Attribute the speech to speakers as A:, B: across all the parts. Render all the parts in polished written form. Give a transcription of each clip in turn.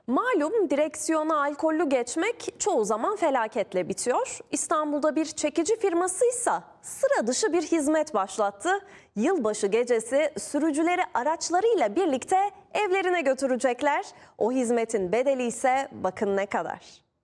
A: Malum direksiyona alkollü geçmek çoğu zaman felaketle bitiyor. İstanbul'da bir çekici firmasıysa sıra dışı bir hizmet başlattı. Yılbaşı gecesi sürücüleri araçlarıyla birlikte evlerine götürecekler. O hizmetin bedeli ise bakın ne kadar.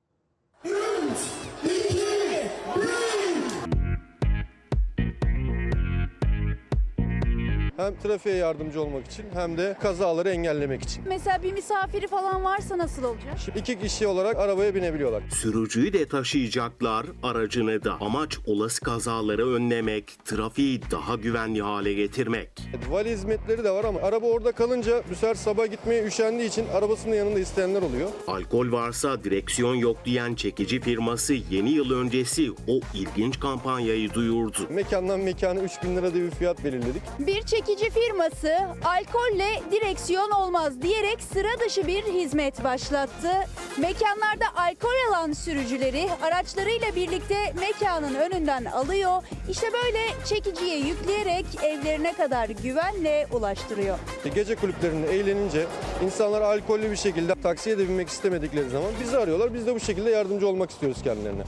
B: Hem trafiğe yardımcı olmak için hem de kazaları engellemek için.
C: Mesela bir misafiri falan varsa nasıl olacak?
B: Şimdi 2 kişi olarak arabaya binebiliyorlar.
D: Sürücüyü de taşıyacaklar, aracını da. Amaç olası kazaları önlemek, trafiği daha güvenli hale getirmek.
B: Vali hizmetleri de var ama araba orada kalınca bu sefer sabah gitmeye üşendiği için arabasının yanında isteyenler oluyor.
D: Alkol varsa direksiyon yok diyen çekici firması yeni yıl öncesi o ilginç kampanyayı duyurdu.
B: Mekandan mekana 3.000 lira diye bir fiyat belirledik.
C: Bir çekici firması alkolle direksiyon olmaz diyerek sıra dışı bir hizmet başlattı. Mekanlarda alkol alan sürücüleri araçlarıyla birlikte mekanın önünden alıyor. İşte böyle çekiciye yükleyerek evlerine kadar güvenle ulaştırıyor.
B: Gece kulüplerinde eğlenince insanlar alkollü bir şekilde taksiye de binmek istemedikleri zaman bizi arıyorlar. Biz de bu şekilde yardımcı olmak istiyoruz kendilerine.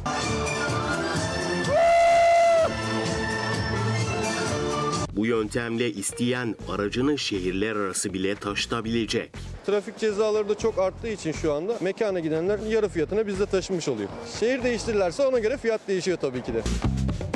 D: Bu yöntemle isteyen aracını şehirler arası bile taşıtabilecek.
B: Trafik cezaları da çok arttığı için şu anda mekana gidenler yarı fiyatına bizde taşınmış oluyor. Şehir değiştirirlerse ona göre fiyat değişiyor tabii ki de.